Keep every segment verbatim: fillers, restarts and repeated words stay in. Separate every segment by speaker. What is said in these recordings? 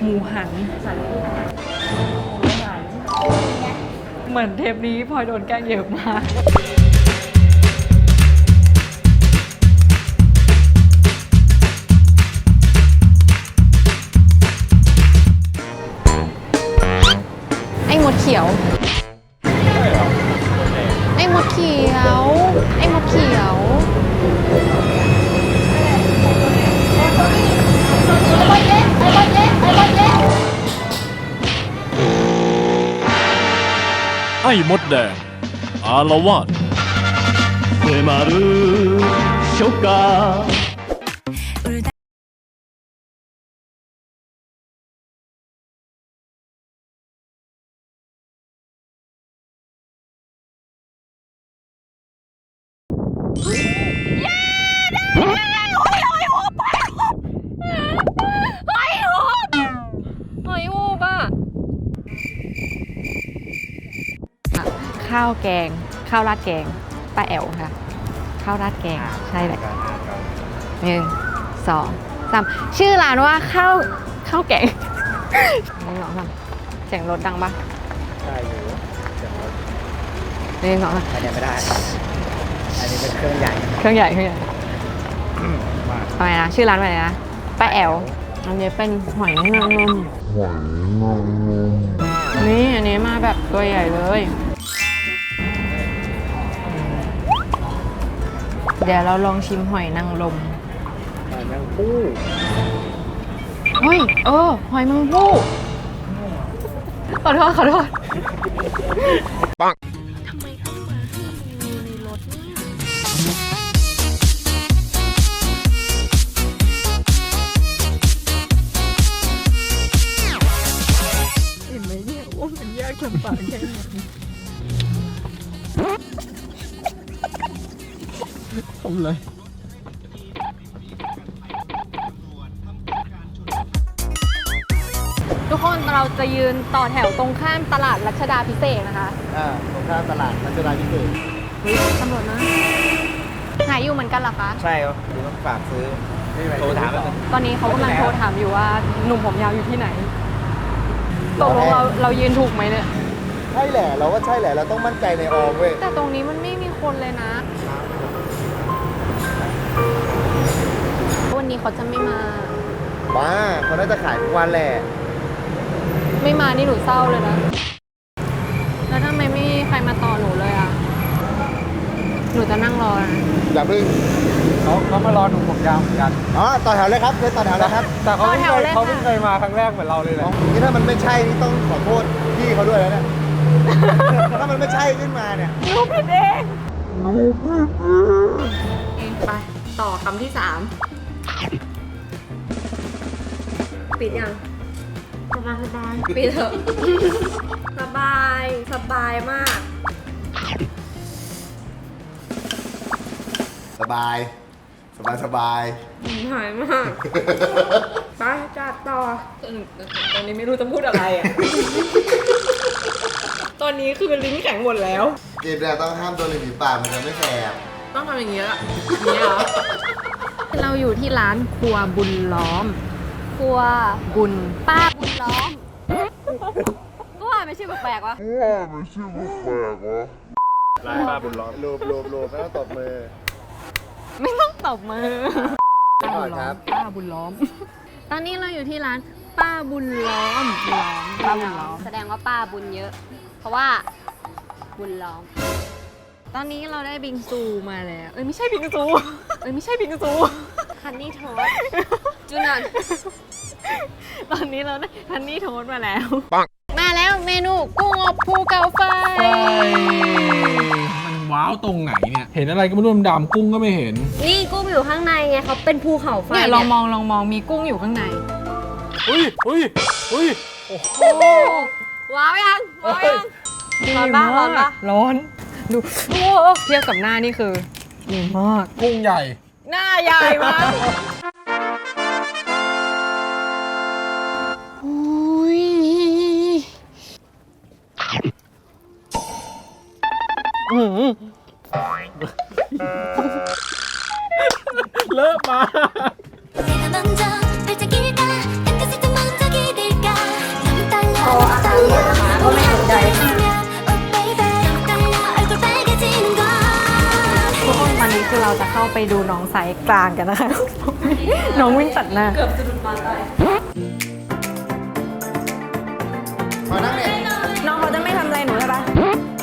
Speaker 1: หมูหันเหมือนเทปนี้พลอยโดนแกล้งเยอะมากไอ้มดเขียวไอ้มดเขียวไอ้มดเขียว
Speaker 2: ไอ้มดแดงอารวาส迫る初夏
Speaker 1: ข้าวแกงข้าวราดแกงป้าแอ๋วค่ะข้าวราดแกงใช่แหละหนึ่งสองสามชื่อร้านว่าข้าวข้าวแกงหนึ่งสองสามเสียงรถดังปะ
Speaker 3: ใช่อยู่เสียงรถ
Speaker 1: หนึ่งสองสาม
Speaker 3: อันนี้ไม่ได้อันนี้เป็นเครื่องใหญ่
Speaker 1: เครื่องใหญ่เครื่องใหญ่
Speaker 3: มาก
Speaker 1: ทำไมนะชื่อร้านว่าอะไรนะป้าแอ๋วอันนี้เป็นหอยนางรมหอยนางรมนี่อันนี้มาแบบตัวใหญ่เลยเดี๋ยวเราลองชิมหอยนางรม
Speaker 3: หอยแมงผู้
Speaker 1: เฮ้ยเออหอยแมงภู่ขอโทษขอโทษปังทำไมต้องมาให้ดูในรถเนี่ยเห็นไหมเนี่ยว่ามันยากลำบากแค่ไหนทำเลยทุกคนเราจะยืนต่อแถวตรงข้ามตลาดรัชดาพิเศษนะคะ
Speaker 3: อ่าตรงข้ามตลาดรัชดาพิเศษ
Speaker 1: เฮ้ยตำรวจนะหายอยู่เหมือนกันเหรอคะ
Speaker 3: ใช่ครับหรือต้องฝากซื้อโทรถาม
Speaker 1: ตอนนี้เขากำลังโทรถามอยู่ว่าหนุ่มผมยาวอยู่ที่ไหนตกลงเราเรายืนถูกไหมเนี่ย
Speaker 3: ใช่แหละเราก็ใช่แหละเราต้องมั่นใจในออมเว้ย
Speaker 1: แต่ตรงนี้มันไม่มีคนเลยนะวันนี้เขาจะไม่มา
Speaker 3: บ้าเขาน่าจะขายทุกวันแหละ
Speaker 1: ไม่มานี่หนูเศร้าเลยนะแล้วทำไมไม่มีใครมาต่อหนูเลยอ่ะหนูจะนั่งรอนะ
Speaker 3: อย่าเพิ่ง
Speaker 4: เขาเขามารอหนุ่มผมยาวเหมือนกัน
Speaker 3: อ๋อต่อแถวเลยครับเชิญต่อแถวเลยครับ
Speaker 4: แต่เขาเพิ่งเคยเขาเพิ่งเคยมาครั้งแรกเหมือนเราเลยแหละ
Speaker 3: นี่ถ้ามันไม่ใช่นี่ต้องขอโทษพี่เขาด้วยแล้วเนี่ย ถ้ามันไม่ใช่ขึ้นมาเนี่ย
Speaker 1: หนูผิดเองหนูผิดเองไปต่อคำที่สามปิดยังสบายสบายปิดเถอะสบายสบายมาก
Speaker 3: สบาย สบายสบาย
Speaker 1: หายมากไปจัดต่อตอนนี้ไม่รู้จะพูดอะไรอ่ะ ตอนนี้คือลิ้นแข็งหมดแล้ว
Speaker 3: เกมแรกต้องห้ามโดนริมฝีปากมันจะไม่แสบ
Speaker 1: ต้องทำอย่างนี้ละอย่างนี้เหรอ เราอยู่ที่ร้านครัวบุญล้อม ครัวบุญป้าบุญล้อมก็ว่าไม่ชื่อแปลกๆวะ
Speaker 4: ลายป้าบุญล้อม
Speaker 3: รูปรูปรูปไม่ต้องตบมือ
Speaker 1: ไม่ต้องตบมือ
Speaker 3: ก่อนครับ
Speaker 1: ป้าบุญล้อม ตอนนี้เราอยู่ที่ร้านป้าบุญล้อมล้อมป้าบุญล้อม
Speaker 5: แสดงว่าป้าบุญเยอะ เพราะว่าบุญล้อม
Speaker 1: ตอนนี้เราได้บิงซูมาแล้ว เอ้ยไม่ใช่บิงซู เอ้ยไม่ใช่บิงซู
Speaker 5: ฮันนี่โทสจูนอน
Speaker 1: ตอนนี้เราได้ฮันนี่โทสต์มาแล้ว มาแล้วเมนูกุ้งอบภูเขาไฟ
Speaker 4: มันว้าวตรงไหนเนี่ย เห็นอะไรก็ไม่รู้ดำๆกุ้งก็ไม่เห็น
Speaker 5: นี่กุ้งอยู่ข้างในไงเขาเป็นภูเขาไฟ
Speaker 1: เนี่ยลองมองลองมองมีกุ้งอยู่ข้างใน
Speaker 4: อุ้ยอุ้ยอุ้ย
Speaker 1: โอ้ว้าวยังว้าวยังร้อนปะร้อนปะร้อน ดูโอ้เทียบกับหน้านี่คือดีมาก
Speaker 4: กุ้งใหญ่
Speaker 1: หน้าใหญ่มากอุ้ยอื้อหือ
Speaker 4: เลอะมา
Speaker 6: 내가 먼저 발짝일까 땅끝을 좀 먼저 기댈까
Speaker 1: าไปดูน้องสายกลางกันนะคะ น้องวิ่งตัดหน้า เกือบสะดุดมาตาย
Speaker 3: มานั่งเนี่ย
Speaker 1: น้องเขาจะไม่ทำอะไรหนูใช่ปะ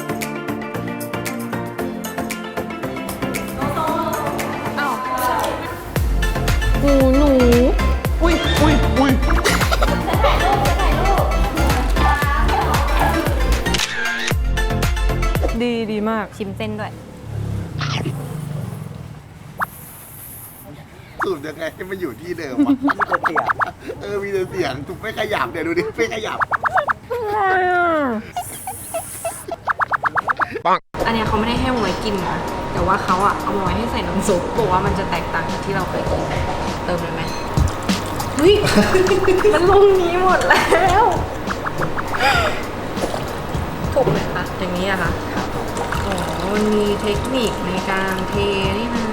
Speaker 1: อ้าวหนูหนู
Speaker 3: อุ้ยอุ้ยอุ้ย
Speaker 1: ดีดีมาก ชิมเส้นด้วย
Speaker 3: สูตรยังไงให้มันอยู่ที่เดิมวะมีแต่เสียงเออมีแต่เสียงถูกไม่ขยับเดี๋ยวดูดิไม่ขยับ
Speaker 1: อันเนี้ยเขาไม่ได้ให้มาไว้กินนะ แต่ว่าเขาอะเอามาไว้ให้ใส่น้ำซุปบอกว่ามันจะแตกต่างจากที่เราเคยกิน เติมเลยไหมเฮ้ย มันลงนี้หมดแล้วถูกไหมคะ อย่างนี้อะค่ะอ๋อมันมีเทคนิคในการเทนี่นะ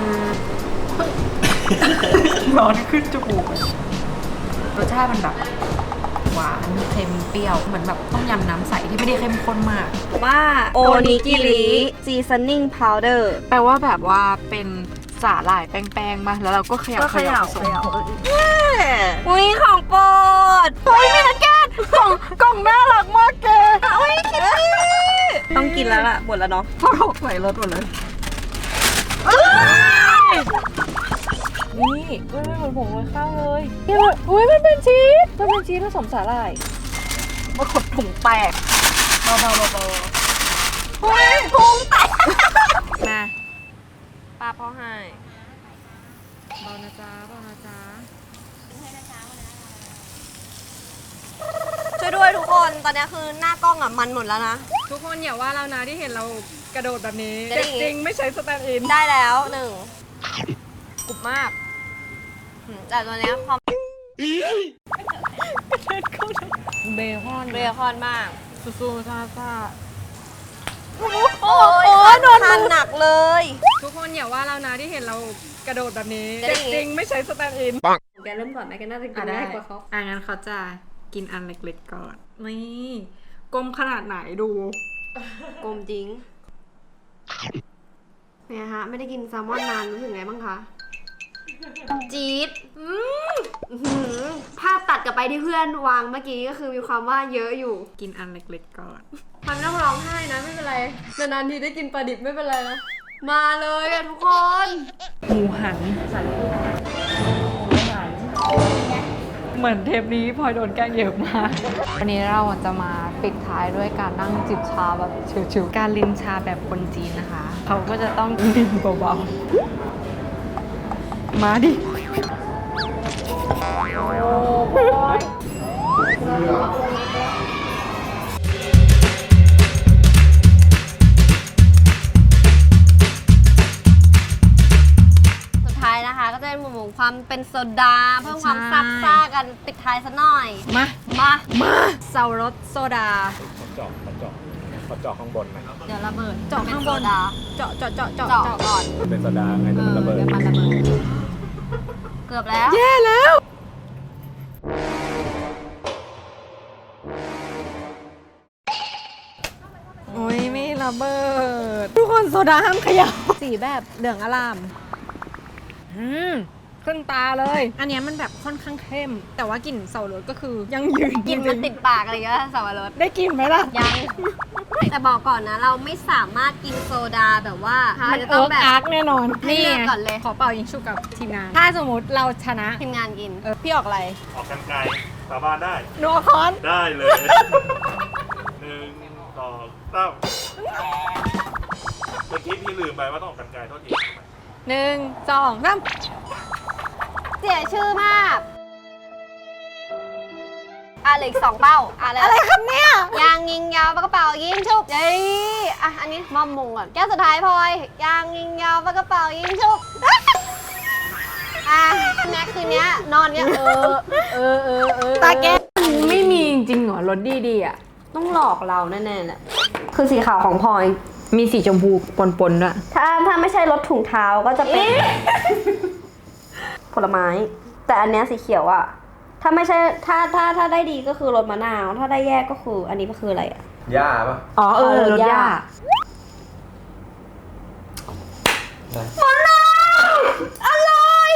Speaker 1: ร้อนขึ้นจมูกรสชาติมันแบบหวานเค็มเปรี้ยวเหมือนแบบต้มยำน้ำใสที่ไม่ได้เข้มข้นมาก
Speaker 5: ว่าโอนิกิริ seasoning powder
Speaker 1: แปลว่าแบบว่าเป็นสาหร่ายแป้งๆมาแล้วเราก็เขย่า
Speaker 5: ก็เขย่า
Speaker 1: ผสม
Speaker 5: เขย่า อุ้ยของโปรด
Speaker 1: เฮ้ยมีนะแกนกล่องกล่องน่ารักมากแกอุ้ยคิดดิ
Speaker 5: ต้องกินแล้วล่ะหมดแล้วเนาะ
Speaker 1: พอถกใส่รถหมดเลยนี่อุ้ยมันเหมือนผงโรยข้าวเลยเนี่ยอุ้ยมันเป็นชีสมันเป็นชีสผสมสาหร่ายมาขดถุงแตกเบาๆเบาๆเฮ้ยถุงแตกมาป้าพ่อให้เบานะจ๊ะเบานะจ๊ะ
Speaker 5: ช่วยด้วยทุกคนตอนนี้คือหน้ากล้องอ่ะมันหมดแล้วนะ
Speaker 1: ทุกคนอย่าว่าเรานะที่เห็นเรากระโดดแบบนี้
Speaker 5: จะได้
Speaker 1: เจ็บจริงไม่ใช้สแตนด์อิน
Speaker 5: ได้แล้วหนึ่ง
Speaker 1: กรุบมาก
Speaker 5: อืมแต่ตัวเนี้ยความ
Speaker 1: เบคอน
Speaker 5: เบคอนมาก
Speaker 1: ซูๆซาซา
Speaker 5: โอ้ยโดนมันหนักเลย
Speaker 1: ทุกคนอย่าว่าเรานะที่เห็นเรากระโดดแบบนี้
Speaker 5: จะได้
Speaker 1: เจ็บจริงไม่ใช้สแตนด์อิน
Speaker 5: แกเริ่มก่อนไหมแกน่าจะกิน
Speaker 1: ได้
Speaker 5: ง่ายกว่าเขา
Speaker 1: อ่ะงั้นเขาจะกินอันเล็กๆก่อน นี่กลมขนาดไหนดู
Speaker 5: กลมจริงเนี่ยฮะไม่ได้กินแซลมอนนานรู้สึกไงบ้างคะจี๊ดอืมอื้อหือภาพตัดกลับไปที่เพื่อนวางเมื่อกี้ก็คือมีความว่าเยอะอยู่
Speaker 1: กินอันเล็กๆก่อน
Speaker 5: มันไม่ต้องร้องไห้นะไม่เป็นไรนานๆทีได้กินปลาดิบไม่เป็นไรนะมาเลยอะทุกคน
Speaker 1: หมูหัน เหมือนเทปนี้พลอยโดนแกล้งเยอะมาก วันนี้เราจะมาปิดท้ายด้วยการนั่งจิบชาแบบชิวๆการลินชาแบบคนจีนนะคะ เขาก็จะต้องลินเบาๆ มาดิ
Speaker 5: สุดท้ายนะคะ ก็จะเป็นหมู่ความเป็นโซดาเพิ่มความซับซ่ากันปิดท้ายซะหน่อย
Speaker 1: มา
Speaker 5: มา
Speaker 1: มาเสารสโซดา
Speaker 4: เจาะเจาะเจาะข้างบนนะ
Speaker 5: เดี๋ยวระเบิด
Speaker 1: เจาะข้างบน
Speaker 5: เป็โซดา
Speaker 1: เจาะเจาะเจาะเจาะ
Speaker 5: เจาะ
Speaker 1: เจาะ
Speaker 5: ก่อน
Speaker 4: เป็นโซดาไง
Speaker 5: เอ
Speaker 4: แต่มัน
Speaker 5: อ
Speaker 4: ระเบิด
Speaker 5: เดี๋ยวมันระเบิดเกือบแล้ว
Speaker 1: แย่แล้ว โอ้ยไม่ระเบิด ทุกคนโซดาห้ามขยับสีแบบเหลืองอลาม อืม ขึ้นตาเลย อันเนี้ยมันแบบค่อนข้างเข้ม แต่ว่ากลิ่นเสารสก็คือยังยืน
Speaker 5: กลิ่นมันติดปากอะไรเงี้ยสับปะรด
Speaker 1: ได้กลิ่นไหมล่ะ
Speaker 5: ยัง แต่บอกก่อนนะ เราไม่สามารถกินโซดาแบบว่า
Speaker 1: มัน
Speaker 5: จะ
Speaker 1: เอิ
Speaker 5: ต้อง
Speaker 1: ร์ก
Speaker 5: แบบ
Speaker 1: อาร์กแน่นอน
Speaker 5: ให้เลือกก่อนเลย
Speaker 1: ขอเป่ายิงชุบกับทีมงาน ถ้าสมมติเราชนะ
Speaker 5: ทีมงานกิน
Speaker 1: เออพี่ออกอะไร
Speaker 2: ออกกันไกลสาบานได้
Speaker 1: หนูเอาค้อน
Speaker 2: ได้เลยหนึ่งสองสามเมื่อกี้พี่ลืมไปว่าต้องออกกันไกลโทษที
Speaker 1: หนึ่งสองสาม
Speaker 5: เสียชื่อมาก อ่ะเหลืออีกสองเป้า อ่ะแล้ว
Speaker 1: อะไรครับเนี่ย
Speaker 5: ยางยิงยาวปากกระเป๋ายิงชุบเย้อ่ะอันนี้มอมมงก่อนแก้วสุดท้ายพลอยยางยิงยาวปากกระเป๋ายิงชุบอ่ะแม็กคืนเนี้ยนอนเนี้ยเออเออเออเออ
Speaker 1: ตาแกไม่มีจริงเหรอรถดีๆอ่ะ
Speaker 5: ต้องหลอกเราแน่ๆแหละคือสีขาวของพลอย
Speaker 1: มีสีชมพูปนๆด้วย
Speaker 5: ถ้าถ้าไม่ใช่รถถุงเท้าก็จะเป็น ผลไม้ แต่อันเนี้ยสีเขียวอะถ้าไม่ใช่ถ้าถ้าถ้าได้ดีก็คือรสมะนาว ถ้าได้แย่ก็คืออันนี้ก็คืออะไรอะ
Speaker 4: หญ้าปะ
Speaker 1: อ๋อเออ
Speaker 5: เออ
Speaker 1: รถย่า
Speaker 5: มะนาวอร่อย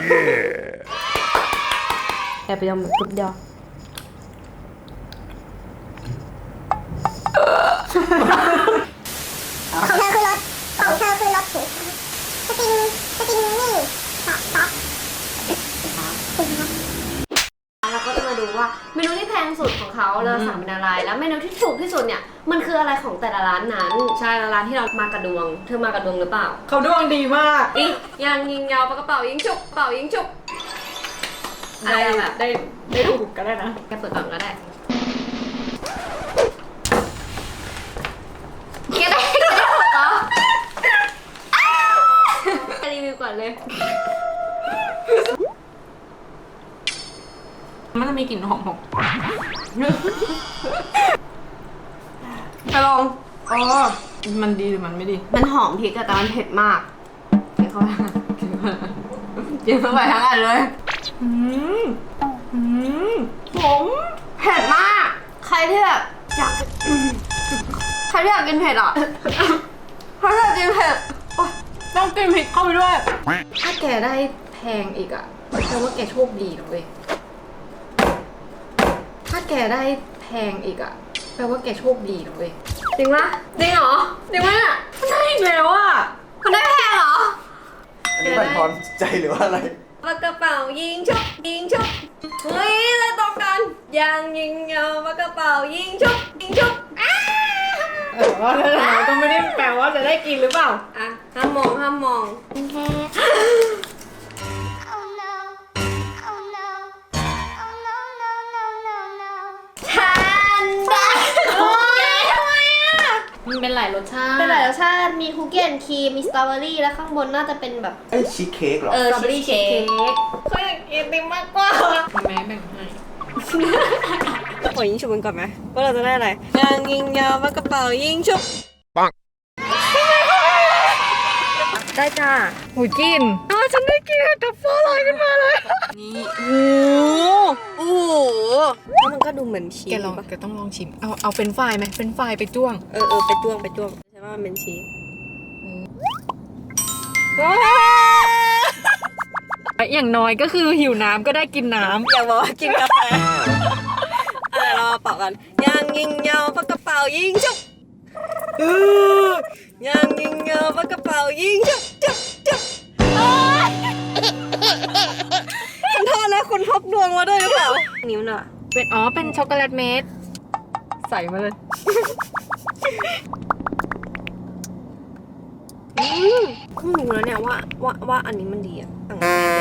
Speaker 5: แอบไปยำทุบเดียว
Speaker 6: ของเธอคือรถของเธอคือรถถูกสติงสติงนี่ป๊อปป๊อป
Speaker 5: เราก็จะมาดูว่าเมนูที่แพงสุดของเขาเราสั่งเป็นอะไรแล้วเมนูที่ถูกที่สุดเนี่ยมันคืออะไรของแต่ละร้านนั้นใช่แล้วร้านที่เรามากระดวงเธอมากระดวงหรือเปล่า
Speaker 1: เขาดวงดีมาก
Speaker 5: อียางยิงยาวปากกระเป๋ายิงฉุกเป๋ายิงฉุกอะไรแบบ
Speaker 1: ได้ได้ถูกก็ได้นะ
Speaker 5: แกเปิดก่อนก็ได้แกได้แกได้ถูกเหรอแกรีวิวก่อนเลย
Speaker 1: มันจะมีกลิ่นหอมหอม
Speaker 5: ไปลอง
Speaker 1: อ๋อ มันดีหรือมันไม่ดี
Speaker 5: มันหอมพริกอะแต่มันเผ็ดมากกินเข้าไปกินเข้าไปทั้งอันเลย
Speaker 1: อืมอืม
Speaker 5: ผมเผ็ดมาก ใครที่แบบอยาก ใครที่อยากกินเผ็ดอ่ะ ใครที่อยากกินเผ็ดโอ๊ย
Speaker 1: ต้องกินพริกเข้าไปด้วย
Speaker 5: ถ้าแกได้แพงอีกอ่ะแปลว่าแกโชคดีนะเว้ย ถ้าแกได้แพงอีกอ่ะแปลว่าแกโชคดีนะเว้ย จริงปะจริงเหรอ จริงปะเนี่ย
Speaker 1: ได้อีกแล้วอ่ะ
Speaker 5: มันได้แพงเหรอ
Speaker 3: อันนี้มันพรใจหรือว่าอะไร
Speaker 5: ปากกระเป๋ายิงชุบยิงชุบเฮ้ยเลยตรงกันยางยิงยาวปากกระเป๋ายิงชุบยิงชุบอ้า
Speaker 1: เออว่าแล้วเราก็ไม่ได้แปลว่าจะได้กินหรือเปล่า
Speaker 5: อ่ะห้ามมองห้ามมอง
Speaker 6: Oh no Oh no Oh no no no no no
Speaker 5: ทานได้โอ้ยทำไมอ่ะ
Speaker 1: มันเป็นหลายรสชาติ
Speaker 5: เป็นหลายรสชาติมีคุกกี้แอนด์ครีมมีสตรอเบอรี่แล้วข้างบนน่าจะเป็นแบบ
Speaker 3: เอ้ยชีสเค้กเหรอ
Speaker 5: เออสตรอเบอรี่เค้กเขาอยากกินติมมากกว่า
Speaker 1: แม่แบ่งให้
Speaker 5: ขอยิงฉุบกันก่อนไหมว่าเราจะได้อะไรยางยิงยาวปากกระเป๋ายิงฉุบ
Speaker 2: ปัง
Speaker 5: ได้จ้า
Speaker 1: หูกินอ๋อฉันได้กินดับเบิลลอยขึ้นมาเลย
Speaker 5: นี่โอ้โหโอ้โหแล้วมันก็ดูเหมือนชีส
Speaker 1: แกลอง
Speaker 5: ปะ
Speaker 1: แกต้องลองชิม เอาเอาเป็นไฟรายไหมเป็นไฟรายไปจ้วง
Speaker 5: เออเออไปจ้วงไปจ้วงใช่ว่ามันเป็นชีส
Speaker 1: อย่างน้อยก็คือหิวน้ำก็ได้กินน้ำ
Speaker 5: อย่าบอกว่ากินกาแฟเออเราเป่ากันยางยิงยาวปากกระเป๋ายิงฉุบเออยางยิงยาวปากกระเป๋ายิงฉุบฉุบฉุบโอ๊ยขอโทษนะคุณพกดวงมาด้วยหรือเปล่านิ้วน่ะ
Speaker 1: เป็นอ๋อเป็นช็อกโกแลตเมดใส่มาเลย
Speaker 5: เพิ่งรู้แล้วเนี่ยว่าว่าว่าอันนี้มันดีอ่ะต่างกันเลย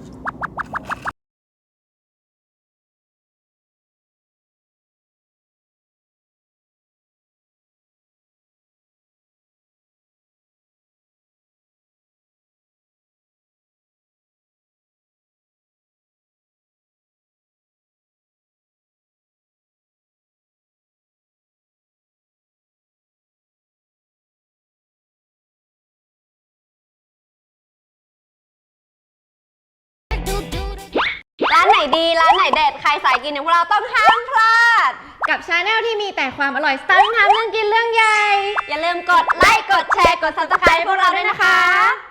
Speaker 5: ร้านไหนดีร้านไหนเด็ดใครสายกินอย่างพวกเราต้องห้ามพลาด
Speaker 1: กับชาแนลที่มีแต่ความอร่อยสไตล์ทำเรื่องกินเรื่องใหญ่
Speaker 5: อย่าลืมกดไลค์กดแชร์กด ซับสไครบ์ พวกเราด้วยนะคะ